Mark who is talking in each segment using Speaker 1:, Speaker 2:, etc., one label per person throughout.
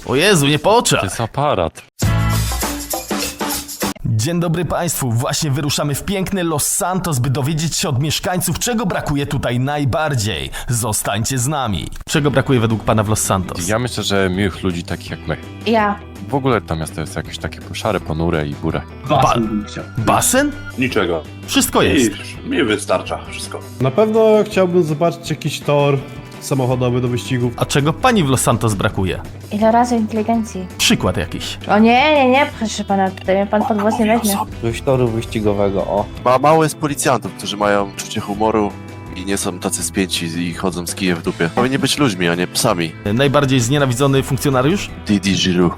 Speaker 1: O Jezu, nie po
Speaker 2: To
Speaker 1: oczach.
Speaker 2: jest aparat.
Speaker 1: Dzień dobry Państwu, właśnie wyruszamy w piękny Los Santos, by dowiedzieć się od mieszkańców, czego brakuje tutaj najbardziej. Zostańcie z nami. Czego brakuje według Pana w Los Santos?
Speaker 2: Ja myślę, że miłych ludzi takich jak my.
Speaker 3: Ja.
Speaker 2: W ogóle to miasto jest jakieś takie szare, ponure i burę.
Speaker 4: Basen bym chciał.
Speaker 1: Basen?
Speaker 5: Niczego.
Speaker 1: Wszystko jest.
Speaker 5: Mi wystarcza wszystko.
Speaker 6: Na pewno chciałbym zobaczyć jakiś tor samochodowy do wyścigów.
Speaker 1: A czego Pani w Los Santos brakuje?
Speaker 3: Ile razy inteligencji?
Speaker 1: Przykład jakiś.
Speaker 3: O nie, proszę pana, tutaj mnie pan pod włos nie weźmie.
Speaker 7: Jakiegoś toru wyścigowego, o.
Speaker 8: Mało jest policjantów, którzy mają czucie humoru i nie są tacy spięci i chodzą z kijem w dupie. Powinni być ludźmi, a nie psami.
Speaker 1: Najbardziej znienawidzony funkcjonariusz?
Speaker 8: Didi Giroux.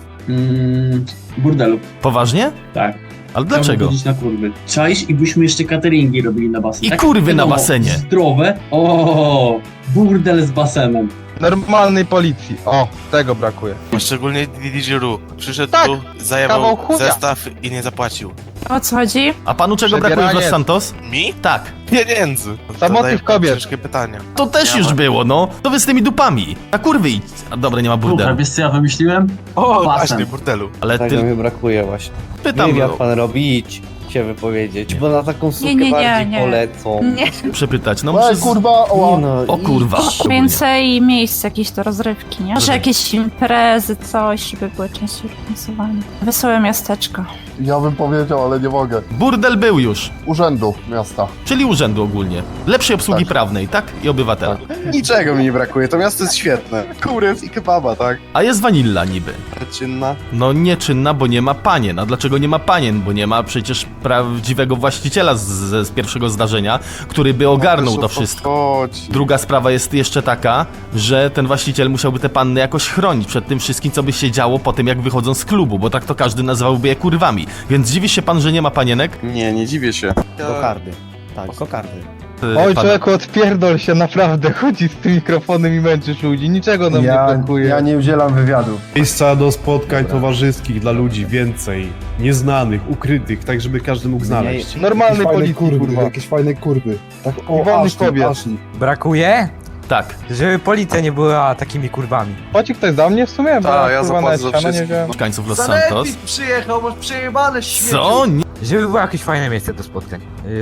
Speaker 4: Burdelu.
Speaker 1: Poważnie?
Speaker 4: Tak.
Speaker 1: Ale dlaczego?
Speaker 4: Chciałbym chodzić na kurwy. Czaisz i byśmy jeszcze cateringi robili na basen.
Speaker 1: I kurwy na basenie.
Speaker 4: Zdrowe. O, burdel z basenem.
Speaker 9: Normalnej policji. O, tego brakuje.
Speaker 10: Szczególnie Didi Giroux. Przyszedł
Speaker 9: Tak,
Speaker 10: tu,
Speaker 9: kawał
Speaker 10: zajebał
Speaker 9: chuja.
Speaker 10: zestaw i nie zapłacił.
Speaker 11: O co chodzi?
Speaker 1: A Panu czego brakuje w Los
Speaker 9: Przebieranie.
Speaker 1: Santos?
Speaker 10: Mi?
Speaker 1: Tak.
Speaker 10: Pieniędzy.
Speaker 9: Samotnych
Speaker 10: Zadaję
Speaker 9: kobiet.
Speaker 10: ciężkie pytania.
Speaker 1: To też już było, no. To wy z tymi dupami. A kurwy idź. A dobra, nie ma
Speaker 4: Kurwa,
Speaker 1: burdelu.
Speaker 4: wiesz co ja wymyśliłem?
Speaker 10: O,
Speaker 4: Basen.
Speaker 10: właśnie, burdelu.
Speaker 1: Ale
Speaker 7: Tego
Speaker 1: ty...
Speaker 7: mi brakuje właśnie.
Speaker 1: Pytam,
Speaker 7: Nie wiem,
Speaker 1: no.
Speaker 7: jak pan robi, idź się wypowiedzieć, bo na taką sukę
Speaker 11: nie,
Speaker 7: bardziej
Speaker 11: nie.
Speaker 7: polecą.
Speaker 11: Nie.
Speaker 1: Przepytać, no
Speaker 9: Ej,
Speaker 1: muszę...
Speaker 9: kurwa,
Speaker 7: Nie no,
Speaker 1: O kurwa.
Speaker 11: Więcej miejsc jakieś do rozrywki, nie? Może jakieś imprezy, coś, żeby były częściej organizowane. Wesołe miasteczko.
Speaker 9: Ja bym powiedział, ale nie mogę.
Speaker 1: Burdel był już.
Speaker 9: Urzędu miasta.
Speaker 1: Czyli urzędu ogólnie. Lepszej obsługi
Speaker 9: Tak.
Speaker 1: prawnej, tak? I obywatela.
Speaker 8: Niczego mi nie brakuje, to miasto jest świetne. Kurew i kebaba, tak?
Speaker 1: A jest wanilla niby.
Speaker 8: Czynna.
Speaker 1: No nieczynna, bo nie ma panien. A dlaczego nie ma panien? Bo nie ma przecież prawdziwego właściciela z pierwszego zdarzenia, który by ogarnął to wszystko. Druga sprawa jest jeszcze taka, że ten właściciel musiałby te panny jakoś chronić przed tym wszystkim, co by się działo po tym, jak wychodzą z klubu, bo tak to każdy nazwałby je kurwami. Więc dziwi się pan, że nie ma panienek?
Speaker 8: Nie, nie dziwię się.
Speaker 7: kokardy. Tak, kokardy.
Speaker 9: Oj,
Speaker 1: Pana-
Speaker 9: człowieku, odpierdol się, naprawdę. Chodzi z tym mikrofonem i męczysz ludzi. Niczego nam nie brakuje.
Speaker 6: Ja nie udzielam wywiadu. Miejsca do spotkań towarzyskich dla ludzi więcej. Nieznanych, ukrytych, tak żeby każdy mógł znaleźć.
Speaker 9: Normalnej policji, kurwa.
Speaker 6: Jakieś fajne kurwy. Tak,
Speaker 9: I wolnych kobiet.
Speaker 12: Brakuje?
Speaker 1: Tak.
Speaker 12: Żeby policja nie była takimi kurwami.
Speaker 9: Płaci ktoś za mnie w sumie? Bo
Speaker 8: Ta, ja
Speaker 9: kurwa
Speaker 8: zapłacę
Speaker 9: nawet
Speaker 8: za
Speaker 9: siano nie
Speaker 8: wszystko.
Speaker 9: wziąłem.
Speaker 1: Mieszkańców Los Santos.
Speaker 4: przyjechał, masz przejebane
Speaker 1: Co? Nie.
Speaker 12: Żeby było jakieś fajne miejsce do spotkań.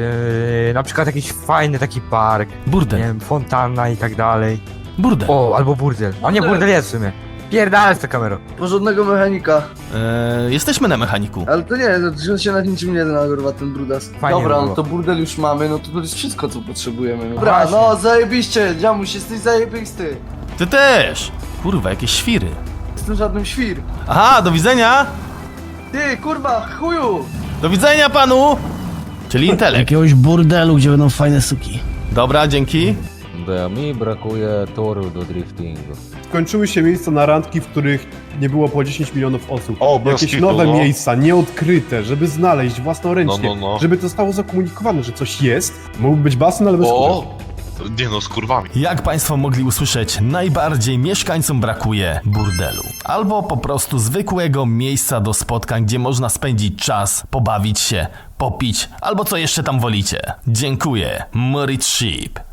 Speaker 12: Na przykład jakiś fajny taki park, nie
Speaker 1: Burdel.
Speaker 12: wiem, fontanna i tak dalej.
Speaker 1: Burdel.
Speaker 12: O, albo burdel. A nie, burdel jest w sumie. Pierdalaj z tą kamerą.
Speaker 4: Porządnego mechanika.
Speaker 1: Jesteśmy na mechaniku.
Speaker 4: Ale to nie, to się nad niczym nie zna, kurwa, ten brudas.
Speaker 12: Fajnie
Speaker 4: Dobra,
Speaker 12: było.
Speaker 4: no to burdel już mamy, no to jest wszystko, co potrzebujemy. No.
Speaker 12: Dobra,
Speaker 4: no zajebiście, dziamuś, jesteś zajebisty.
Speaker 1: Ty też. Kurwa, jakieś świry.
Speaker 4: Jestem żadnym świr.
Speaker 1: Aha, do widzenia.
Speaker 4: Ty, kurwa, chuju!
Speaker 1: Do widzenia panu. Czyli intelekt.
Speaker 4: Jakiegoś burdelu, gdzie będą fajne suki.
Speaker 1: Dobra, dzięki.
Speaker 2: Mi brakuje toru do driftingu.
Speaker 6: Skończyły się miejsca na randki, w których nie było po 10 milionów osób.
Speaker 2: O, bez
Speaker 6: Jakieś
Speaker 2: kitu,
Speaker 6: nowe
Speaker 2: no.
Speaker 6: miejsca, nieodkryte, żeby znaleźć własnoręcznie.
Speaker 2: No.
Speaker 6: Żeby to zostało zakomunikowane, że coś jest. Mógłby być basen, ale bez kurek.
Speaker 5: Nie no, z kurwami.
Speaker 1: Jak Państwo mogli usłyszeć, najbardziej mieszkańcom brakuje burdelu. Albo po prostu zwykłego miejsca do spotkań, gdzie można spędzić czas, pobawić się, popić, albo co jeszcze tam wolicie. Dziękuję. Moritz Sheep.